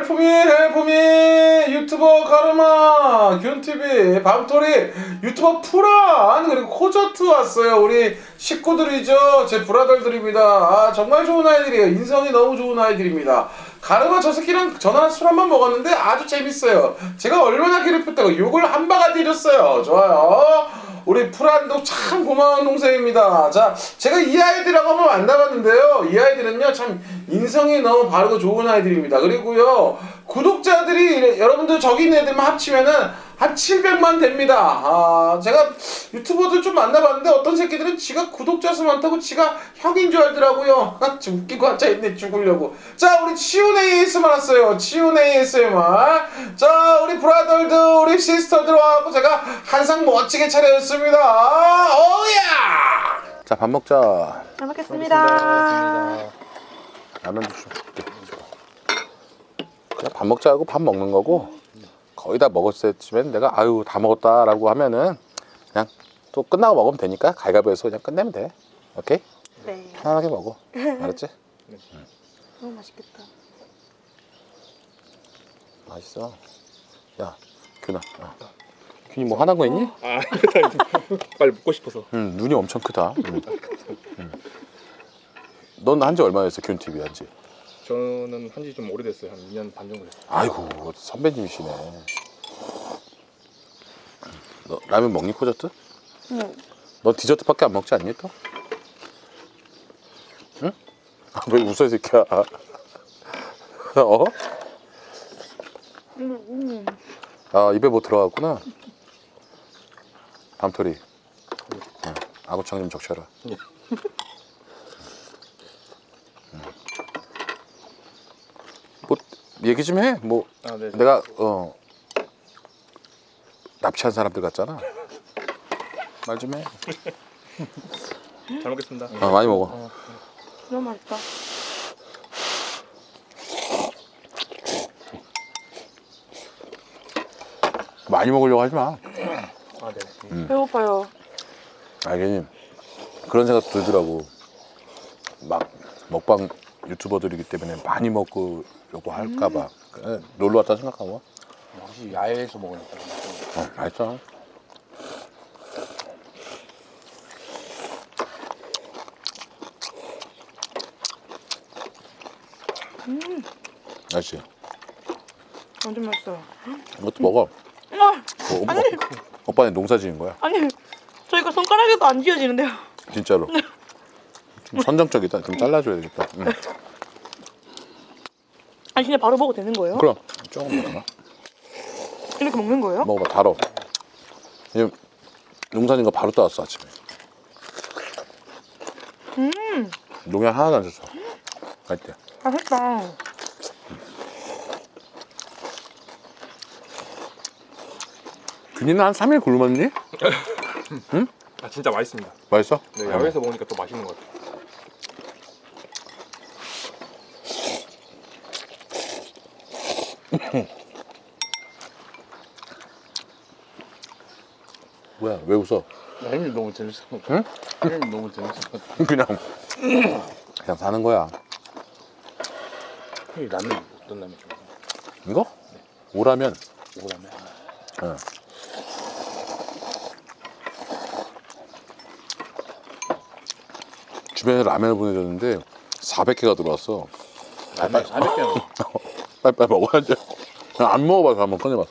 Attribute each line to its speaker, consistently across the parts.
Speaker 1: 헬프미 유튜버 가르마 균TV 밤토리 유튜버 프란 그리고 코저트 왔어요. 우리 식구들이죠. 제 브라더들입니다. 아 정말 좋은 아이들이에요. 인성이 너무 좋은 아이들입니다. 가르마 저 새끼랑 전화 술 한 번 먹었는데 아주 재밌어요. 제가 얼마나 괴롭혔다고 욕을 한 바가지 줬어요. 좋아요. 우리 프란도 참 고마운 동생입니다. 자, 제가 이 아이들하고 한번 만나봤는데요. 이 아이들은요, 참 인성이 너무 바르고 좋은 아이들입니다. 그리고요, 구독자들이 여러분들 저기 있는 애들만 합치면은 한 700만 됩니다. 아, 제가 유튜버들 좀 만나봤는데 어떤 새끼들은 지가 구독자 수 많다고 지가 형인 줄 알더라고요. 좀 웃기고 앉아있네, 죽으려고. 자, 우리 치운 ASMR 왔어요. 치운 ASMR. 자, 우리 브라더들, 우리 시스터들 와갖고 제가 한상 멋지게 차려줬습니다. 오야! 자, 밥 먹자.
Speaker 2: 잘 먹겠습니다.
Speaker 1: 라면도 좀 줄게. 그냥 밥 먹자 하고 밥 먹는 거고 거의 다 먹었을 때쯤엔 내가 아유 다 먹었다라고 하면은 그냥 또 끝나고 먹으면 되니까 가위바위보해서 그냥 끝내면 돼. 오케이?
Speaker 2: 네.
Speaker 1: 편하게 먹어. 알았지?
Speaker 2: 너무 맛있겠다.
Speaker 1: 맛있어. 야, 균아. 균이 뭐 화난 거 있니?
Speaker 3: 아, 빨리 먹고 싶어서.
Speaker 1: 눈이 엄청 크다. 넌 한지 얼마나 됐어? 균TV 한지?
Speaker 3: 저는 한지 좀 오래됐어요. 한 2년 반 정도 됐어요.
Speaker 1: 아이고 선배님이시네. 너 라면 먹니 코저트?
Speaker 2: 응.
Speaker 1: 너 디저트밖에 안 먹지 않니 또? 응? 아, 왜 웃어 이 새끼야? 어? 아 입에 뭐 들어갔구나. 밤토리. 응. 아구창 좀 적셔라. 뭐 얘기 좀 해. 뭐
Speaker 3: 아, 네.
Speaker 1: 내가 납치한 사람들 같잖아. 말 좀 해.
Speaker 3: 잘 먹겠습니다.
Speaker 1: 많이 먹어.
Speaker 2: 너무 맛있다.
Speaker 1: 많이 먹으려고 하지 마.
Speaker 3: 아, 네.
Speaker 2: 배고파요.
Speaker 1: 괜히 그런 생각 들더라고. 막 먹방 유튜버들이기 때문에 많이 먹으려고 할까봐 놀러 왔다 생각하고.
Speaker 4: 혹시 야외에서 먹으니까
Speaker 1: 맛있어. 맛있지?
Speaker 2: 완전 맛있어요.
Speaker 1: 이것도 먹어. 오빠네 농사 지은 거야.
Speaker 2: 아니, 저희가 손가락에도 안 쥐어지는데요.
Speaker 1: 진짜로. 좀 선정적이다. 좀 잘라줘야 되겠다.
Speaker 2: 아니, 진짜 바로 먹어도 되는 거예요?
Speaker 1: 그럼 조금 먹어봐.
Speaker 2: 이렇게 먹는 거예요?
Speaker 1: 먹어봐. 달어. 지금 농사 지은 거 바로 따왔어 아침에. 농약 하나도 안 줬어. 맛있대.
Speaker 2: 맛있다.
Speaker 1: 균이는 한 3일 굶었니? 응?
Speaker 3: 아, 진짜 맛있습니다.
Speaker 1: 맛있어?
Speaker 3: 네, 야외에서 먹으니까 또 맛있는 것 같아요.
Speaker 1: 뭐야? 왜 웃어?
Speaker 4: 형님 너무 재밌어.
Speaker 1: 응?
Speaker 4: 형님 너무 재밌어.
Speaker 1: 그냥 사는 거야.
Speaker 4: 형님 라면 어떤 라면 좋아해요?
Speaker 1: 이거? 오라면.
Speaker 4: 오라면.
Speaker 1: 응. 주변에 라면을 보내줬는데 400개가 들어왔어.
Speaker 4: 라면 400개.
Speaker 1: 빨리빨리 먹어야지. 그냥 안 먹어봐서 한번 꺼내봤어.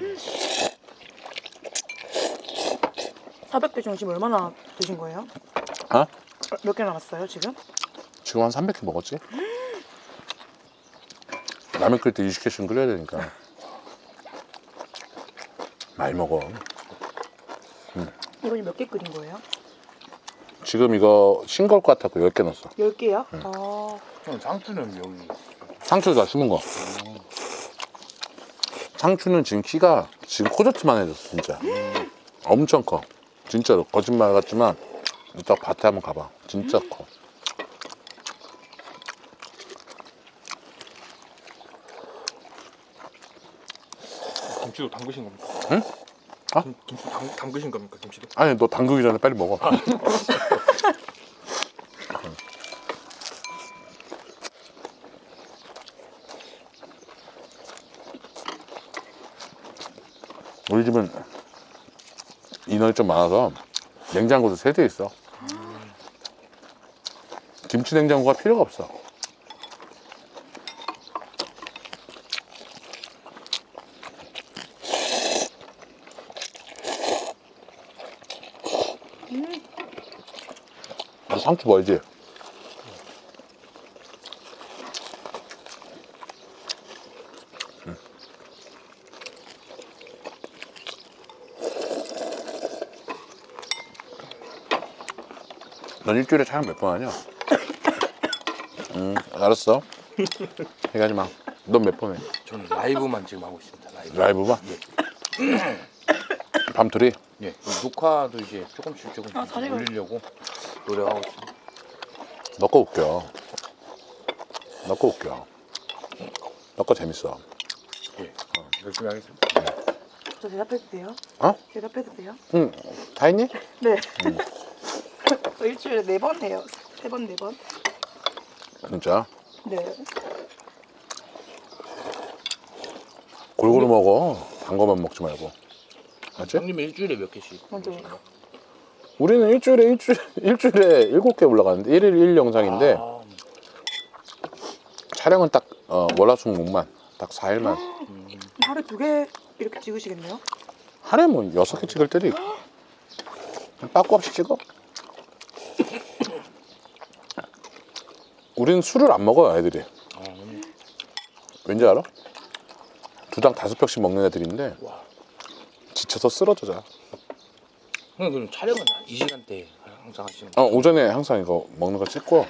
Speaker 2: 400개 중에 지금 얼마나 드신 거예요?
Speaker 1: 어?
Speaker 2: 몇 개 남았어요, 지금?
Speaker 1: 지금 한 300개 먹었지? 라면 끓일 때 20개씩 끓여야 되니까. 많이 먹어.
Speaker 2: 이거 몇 개 끓인 거예요?
Speaker 1: 지금 이거 싱거울 것 같아서 10개 넣었어.
Speaker 2: 10개요?
Speaker 4: 형 상추는 여기.
Speaker 1: 상추 다 심은 거. 상추는 지금 키가 지금 코저트만 해졌어 진짜. 엄청 커. 진짜로 거짓말 같지만 이따 밭에 한번 가봐. 진짜 커.
Speaker 3: 김치도 담그신 겁니까?
Speaker 1: 응? 아?
Speaker 3: 김치 담그신 겁니까? 김치도?
Speaker 1: 아니 너 담그기 전에 빨리 먹어. 우리 집은 인원이 좀 많아서 냉장고도 3대 있어. 김치 냉장고가 필요가 없어. 너 상추 보이지? 넌 일주일에 촬영 몇 번 하냐? 알았어. 얘기하지 마. 넌 몇 번 해?
Speaker 4: 저는 라이브만 지금 하고 있습니다. 라이브.
Speaker 1: 라이브만? 밤토리?
Speaker 4: 예. 녹화도 이제 조금씩
Speaker 2: 아, 자리가-
Speaker 4: 올리려고 노력하고 있습니다.
Speaker 1: 너 거 웃겨. 너 거 웃겨. 너 거 재밌어.
Speaker 4: 예. 열심히 하겠습니다.
Speaker 2: 저 대답해도 돼요?
Speaker 1: 어?
Speaker 2: 대답해도 돼요?
Speaker 1: 응. 다 했니?
Speaker 2: 네. 저 일주일에 4번 해요. 3번, 4번.
Speaker 1: 진짜?
Speaker 2: 네.
Speaker 1: 골고루 먹어. 단 거만 먹지 말고. 알지?
Speaker 4: 형님은 일주일에 몇 개씩?
Speaker 2: 먼저.
Speaker 4: 보시나요?
Speaker 1: 우리는 일주일에 7개 올라가는데 1일 1영상인데
Speaker 4: 아,
Speaker 1: 촬영은 딱 월화수목만 딱 4일만.
Speaker 2: 하루에 2개 이렇게 찍으시겠네요?
Speaker 1: 하루에 뭐 6개 찍을 때도 있고. 빠꾸 없이 찍어. 우리는 술을 안 먹어요, 애들이. 왠지 알아? 2당 5병씩 먹는 애들인데
Speaker 4: 와.
Speaker 1: 지쳐서 쓰러져 자.
Speaker 4: 형님 그럼 촬영은 이 시간대 항상 하시는 거예요?
Speaker 1: 오전에 항상 이거 먹는 거 찍고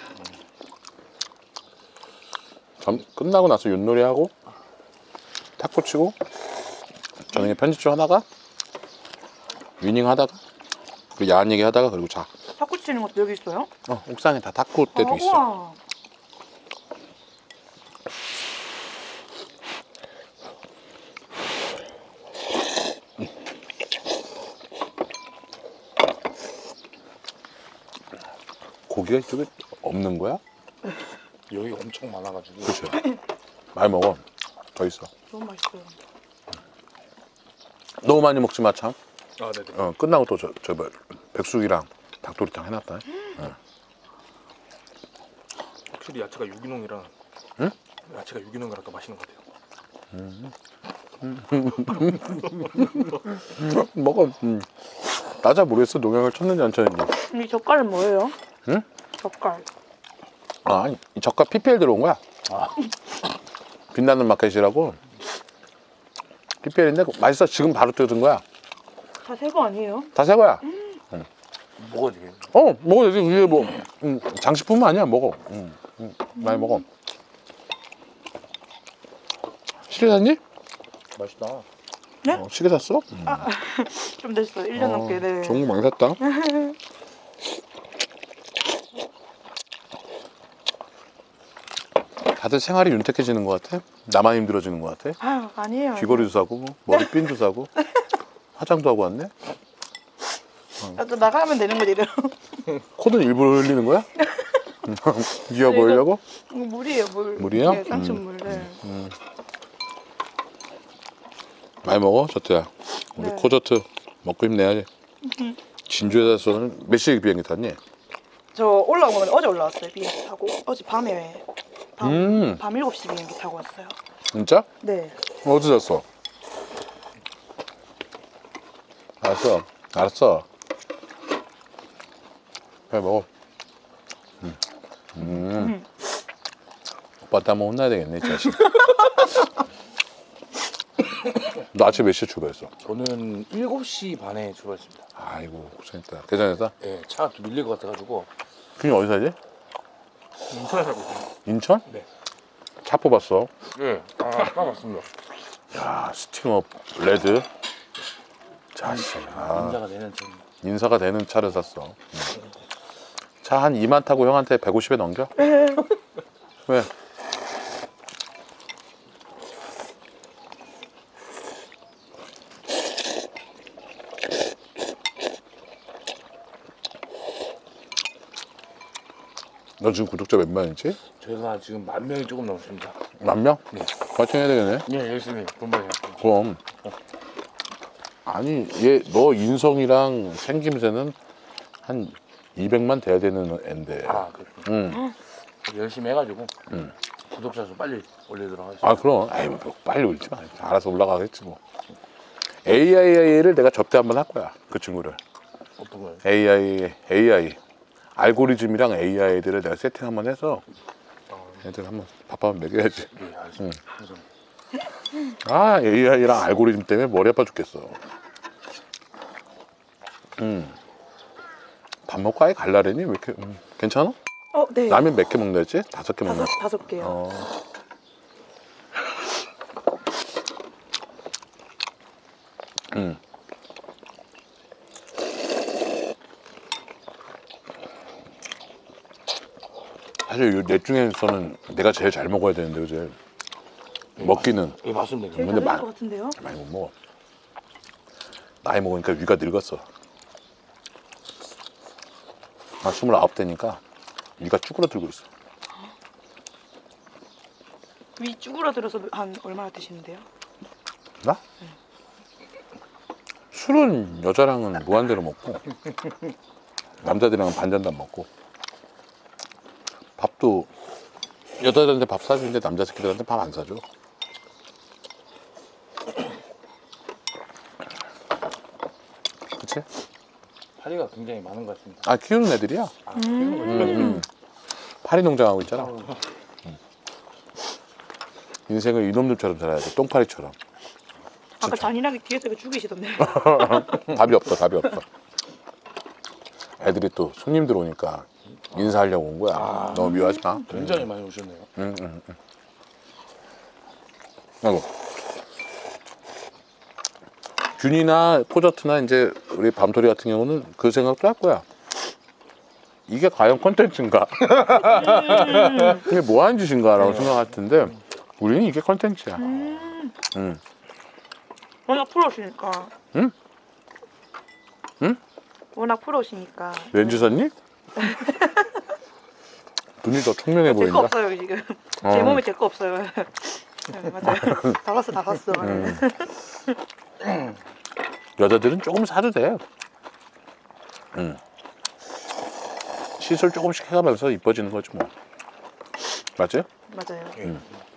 Speaker 1: 끝나고 나서 윷놀이 하고 탁구 치고 저녁에 편집 좀 하다가 위닝 하다가 그리고 야한 얘기 하다가 그리고 자.
Speaker 2: 탁구 치는 것도 여기 있어요?
Speaker 1: 옥상에 다 탁구 때도 있어.
Speaker 2: 우와.
Speaker 1: 고기가 이쪽에 없는 거야?
Speaker 4: 여기 엄청 많아가지고.
Speaker 1: 그렇죠. 많이 먹어. 더 있어.
Speaker 2: 너무 맛있어요.
Speaker 1: 너무 많이 먹지 마 참.
Speaker 4: 아, 네네.
Speaker 1: 끝나고 또 저 백숙이랑 닭도리탕 해놨다.
Speaker 3: 확실히 야채가 유기농이라.
Speaker 1: 응?
Speaker 3: 야채가 유기농이라 더 맛있는 것 같아요.
Speaker 1: 먹어. 나 잘 모르겠어. 농약을 쳤는지 안 쳤는지.
Speaker 2: 이 젓갈은 뭐예요?
Speaker 1: 응?
Speaker 2: 젓갈.
Speaker 1: 아, 이 젓갈 PPL 들어온 거야. 빛나는 마켓이라고. PPL인데 맛있어. 지금 바로 뜯은 거야.
Speaker 2: 다 새 거 아니에요?
Speaker 1: 다 새 거야.
Speaker 4: 먹어도 되겠네.
Speaker 1: 먹어 되지. 이게 뭐 장식품 아니야. 먹어. 많이 먹어. 시계 샀니?
Speaker 3: 맛있다.
Speaker 2: 네?
Speaker 1: 시계 샀어?
Speaker 2: 좀 됐어요. 1년 넘게. 네.
Speaker 1: 좋은 거 많이 샀다. 다들 생활이 윤택해지는 것 같아? 나만 힘들어지는 것 같아?
Speaker 2: 아유, 아니에요.
Speaker 1: 귀걸이도 사고 머리핀도 사고 화장도 하고 왔네?
Speaker 2: 아, 또 나가면 되는 거지, 이래요.
Speaker 1: 코는 일부러 흘리는 거야? 귀여 보이려고?
Speaker 2: 이거 물이에요, 물.
Speaker 1: 물이요?
Speaker 2: 네, 쌍춘물. 네.
Speaker 1: 많이 먹어, 저트야. 우리
Speaker 2: 네.
Speaker 1: 코저트 먹고 힘내야지. 진주에서는 몇 시에 비행기 탔니?
Speaker 2: 저 올라온 건 어제 올라왔어요, 비행기 타고. 어제 밤에.
Speaker 1: 음.
Speaker 2: 밤 7시 비행기 타고 왔어요.
Speaker 1: 진짜?
Speaker 2: 네.
Speaker 1: 어디 잤어? 알았어. 알았어. 빨리 먹어. 오빠한테 한번 혼나야 되겠네, 이 자식. 너 아침 몇 시에 출발했어?
Speaker 4: 저는 7시 반에 출발했습니다.
Speaker 1: 아이고, 고생했다. 괜찮았다?
Speaker 4: 예, 차가 또 밀릴 것 같아가지고.
Speaker 1: 그냥 어디 살지?
Speaker 3: 인천에 살고 있어요.
Speaker 1: 인천?
Speaker 3: 네.
Speaker 1: 차 뽑았어.
Speaker 4: 예, 딱 맞습니다.
Speaker 1: 야, 스팅업 레드. 자식.
Speaker 4: 남자가 되는 좀.
Speaker 1: 인사가 되는 차를 샀어. 차 한 2만 타고 형한테 150에 넘겨? 왜? 너 지금 구독자 몇 명이지?
Speaker 4: 저희가 지금 10,000명이 조금 넘습니다.
Speaker 1: 10,000명?
Speaker 4: 네.
Speaker 1: 파이팅 해야 되겠네.
Speaker 4: 예, 열심히 돈 벌이 할게요.
Speaker 1: 그럼
Speaker 5: 아니 얘 너 인성이랑 생김새는 한 200만 돼야 되는 앤데.
Speaker 4: 아 그렇군.
Speaker 5: 응.
Speaker 4: 열심히 해가지고
Speaker 5: 응.
Speaker 4: 구독자 수 빨리 올리도록 하겠습니다.
Speaker 5: 아 그럼. 아이 뭐 빨리 울지 마. 알아서 올라가겠지 뭐. AI를 내가 접대 한번 할 거야. 그 친구를.
Speaker 4: 어떤 거예요?
Speaker 5: AI 알고리즘이랑 AI들을 내가 세팅 한번 해서 애들 한번 밥 한번 먹여야지.
Speaker 4: 예, 알겠습니다. 감사합니다.
Speaker 5: 아 AI랑 알고리즘 때문에 머리 아파 죽겠어. 밥 먹고 아예 갈라래니? 왜 이렇게 괜찮아?
Speaker 2: 네.
Speaker 5: 라면 몇 개 먹나 했지? 5개 먹나?
Speaker 2: 다섯 개요.
Speaker 5: 어. 사실 이 넷 중에서는 내가 제일 잘 먹어야 되는데 그지? 먹기는
Speaker 4: 예, 맞습니다.
Speaker 2: 제일
Speaker 5: 근데
Speaker 2: 다른
Speaker 5: 마-
Speaker 2: 것 같은데요?
Speaker 5: 많이 못 먹어. 나이 먹으니까 위가 늙었어. 나 29대니까 위가 쭈그러들고 있어.
Speaker 2: 위 쭈그러들어서 한 얼마나 드시는데요?
Speaker 5: 나? 술은 여자랑은 무한대로 먹고 남자들이랑은 반잔도 안 먹고 밥도 여자들한테 밥 사주는데 남자 새끼들한테 밥 안 사줘. 그치?
Speaker 4: 파리가 굉장히 많은 것 같습니다.
Speaker 5: 아 키우는 애들이야.
Speaker 4: 아, 키우는 거죠?
Speaker 5: 파리 농장하고 있잖아. 인생을 이놈들처럼 살아야 돼. 똥파리처럼.
Speaker 2: 아까 잔인하게 뒤에서 이거 죽이시던데.
Speaker 5: 답이 없어, 답이 없어. 애들이 또 손님들 오니까 인사하려고 온 거야. 너무 미워하지 마.
Speaker 4: 굉장히 많이 오셨네요.
Speaker 5: 아이고. 균이나 포저트나 이제 우리 밤토리 같은 경우는 그 생각도 할 거야. 이게 과연 콘텐츠인가? 이게 뭐 하는 짓인가라고 생각할 텐데 우리는 이게 콘텐츠야.
Speaker 2: 워낙 프로시니까.
Speaker 5: 응? 응?
Speaker 2: 워낙 프로시니까.
Speaker 5: 렌즈 샀니? 눈이 더 총명해
Speaker 2: 제 거
Speaker 5: 보인다.
Speaker 2: 없어요 지금. 제 몸에 제 거 없어요. 네, 맞아요. 다 샀어.
Speaker 5: 여자들은 조금 사도 돼. 시술 조금씩 해가면서 이뻐지는 거지 뭐. 맞지?
Speaker 2: 맞아요.
Speaker 4: 예.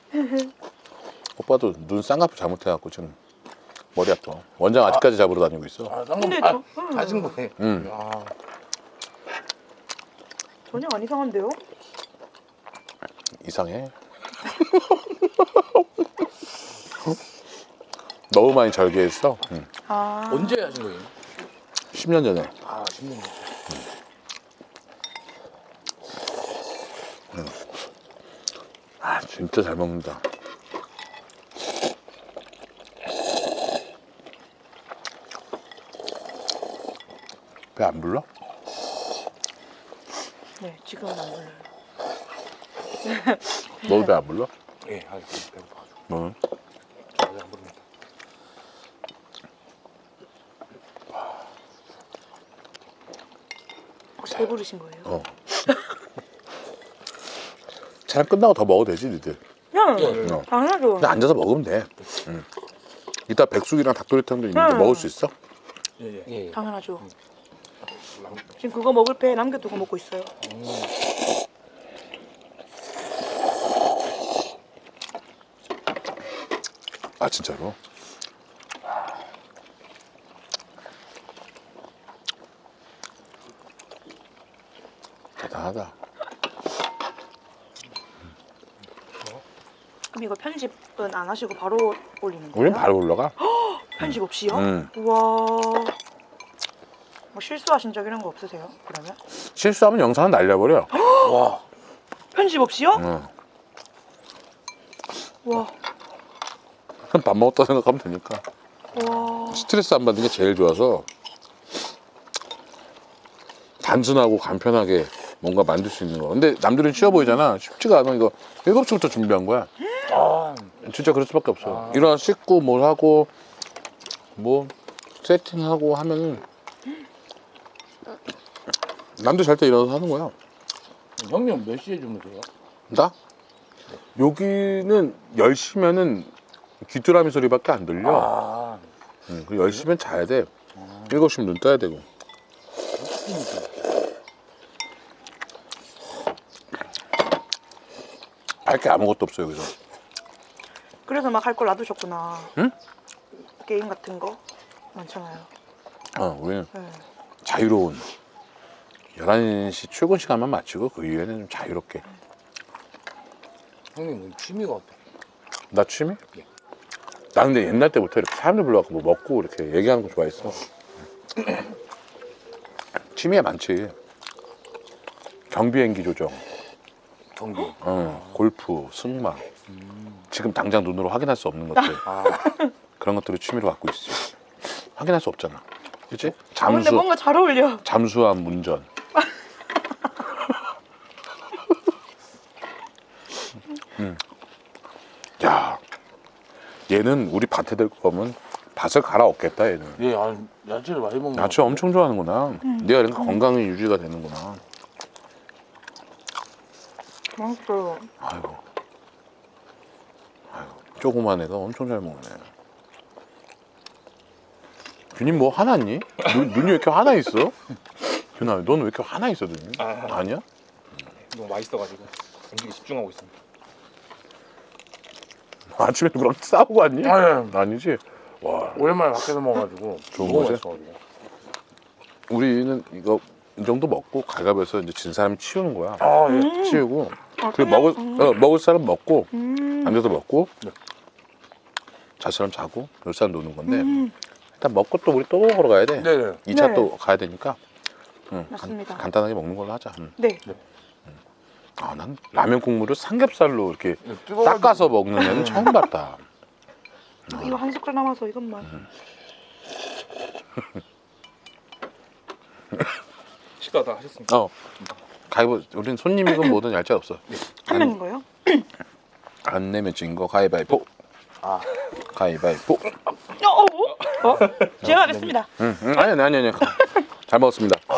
Speaker 5: 오빠도 눈 쌍꺼풀 잘못해갖고 지금 머리 아파. 원장 아직까지 잡으러 다니고 있어.
Speaker 4: 아,
Speaker 2: 근데
Speaker 4: 쌍꺼풀
Speaker 2: 저-
Speaker 4: 가진 거네. 아,
Speaker 2: 전혀 안 이상한데요?
Speaker 5: 이상해. 너무 많이 절개했어.
Speaker 2: 아.
Speaker 4: 언제 하신 거예요?
Speaker 5: 10년 전에.
Speaker 4: 아, 10년 전.
Speaker 5: 아 진짜 잘 먹는다. 배 안 불러?
Speaker 2: 네, 지금은 안 불러요.
Speaker 5: 너도 배 안 불러?
Speaker 4: 예, 알겠습니다. 배고파가지고.
Speaker 5: 뭐?
Speaker 4: 저 아직 안 부릅니다.
Speaker 2: 혹시 배부르신 거예요?
Speaker 5: 어. 촬영 끝나고 더 먹어도 되지 니들.
Speaker 2: 응.
Speaker 5: 어.
Speaker 2: 당연하죠.
Speaker 5: 그냥 앉아서 먹으면 돼. 이따 백숙이랑 닭도리탕도 있는데 먹을 수 있어?
Speaker 4: 예, 예. 예.
Speaker 2: 당연하죠. 지금 그거 먹을 배 남겨두고 먹고 있어요.
Speaker 5: 아 진짜로? 대단하다.
Speaker 2: 그럼 이거 편집은 안 하시고 바로 올리는 거예요?
Speaker 5: 우린 바로 올라가.
Speaker 2: 편집 없이요?
Speaker 5: 음.
Speaker 2: 우와. 뭐 실수하신 적 이런 거 없으세요? 그러면?
Speaker 5: 실수하면 영상은 날려버려.
Speaker 4: 와,
Speaker 2: 편집 없이요?
Speaker 5: 응.
Speaker 2: 와.
Speaker 5: 그럼 밥 먹었다 생각하면 되니까.
Speaker 2: 와.
Speaker 5: 스트레스 안 받는 게 제일 좋아서 단순하고 간편하게 뭔가 만들 수 있는 거. 근데 남들은 쉬워 보이잖아. 쉽지가 않아. 이거 7시부터 준비한 거야.
Speaker 4: 아,
Speaker 5: 진짜 그럴 수밖에 없어. 일어나 씻고 뭘 하고 뭐 세팅하고 하면은 남들 잘 때 일어나서 하는 거야.
Speaker 4: 형님 몇 시에 주무세요?
Speaker 5: 나? 여기는 10시면은 귀뚜라미 소리밖에 안 들려.
Speaker 4: 아,
Speaker 5: 그 10시면 자야 돼. 7시면 눈 떠야 되고. 할 게 아무것도 없어요, 여기서.
Speaker 2: 그래서 막 할 걸 놔두셨구나.
Speaker 5: 응?
Speaker 2: 게임 같은 거 많잖아요.
Speaker 5: 우리는
Speaker 2: 네.
Speaker 5: 자유로운 11시 출근 시간만 맞추고 그 이후에는 좀 자유롭게.
Speaker 4: 형님 취미가 어때?
Speaker 5: 나 취미?
Speaker 4: 예.
Speaker 5: 나 근데 옛날 때부터 이렇게 사람들 불러갖고 뭐 먹고 이렇게 얘기하는 거 좋아했어. 취미가 많지. 경비행기 조정,
Speaker 4: 경기.
Speaker 5: 골프, 승마. 지금 당장 눈으로 확인할 수 없는 것들. 그런 것들을 취미로 갖고 있어. 확인할 수 없잖아. 그치?
Speaker 2: 근데 뭔가 잘 어울려.
Speaker 5: 잠수함 운전. 야, 얘는 우리 밭에 될 거면 밭을 갈아엎겠다 얘는.
Speaker 4: 예, 야채를 많이 먹는.
Speaker 5: 야채 엄청 좋아하는구나. 내가 그러니까 건강이 유지가 되는구나.
Speaker 2: 맛있어요.
Speaker 5: 아이고, 조그만 애가 엄청 잘 먹네. 균님 뭐 화났니? 눈이 왜 이렇게 화나 있어? 균아, 너는 왜 이렇게 화나 있어 눈이? 아니야?
Speaker 3: 너무 맛있어가지고 음식에 집중하고 있습니다.
Speaker 5: 아침에 누구랑 싸우고 왔니?
Speaker 4: 아니,
Speaker 5: 아니지? 와,
Speaker 4: 오랜만에 밖에서 먹어가지고
Speaker 5: 좋은
Speaker 4: 너무
Speaker 5: 거지?
Speaker 4: 맛있어가지고.
Speaker 5: 우리는 이거 이 정도 먹고 갈갑에서 이제 진 사람이 치우는 거야.
Speaker 4: 아, 예.
Speaker 5: 치우고 그리고 먹을 사람 먹고 앉아서 먹고 잘 사람 자고 놀 사람 노는 건데 일단 먹고 또 우리 또 먹으러 가야 돼.
Speaker 4: 네네.
Speaker 5: 2차
Speaker 2: 네.
Speaker 5: 또 가야 되니까
Speaker 2: 맞습니다.
Speaker 5: 간단하게 먹는 걸로 하자.
Speaker 2: 네.
Speaker 5: 난 라면 국물을 삼겹살로 이렇게
Speaker 4: 뜨거워가지고.
Speaker 5: 닦아서 먹는 애는 처음 봤다.
Speaker 2: 이거 한 숟갈 남아서 이것만.
Speaker 3: 식사 다 하셨습니까?
Speaker 5: 가위보 우린 손님이건 뭐든 얄짤 없어.
Speaker 2: 한 명인 거예요?
Speaker 5: 안 내면 진 거 가위바위보. 가위바위보.
Speaker 2: 제가 하겠습니다.
Speaker 5: 아니. 잘 먹었습니다.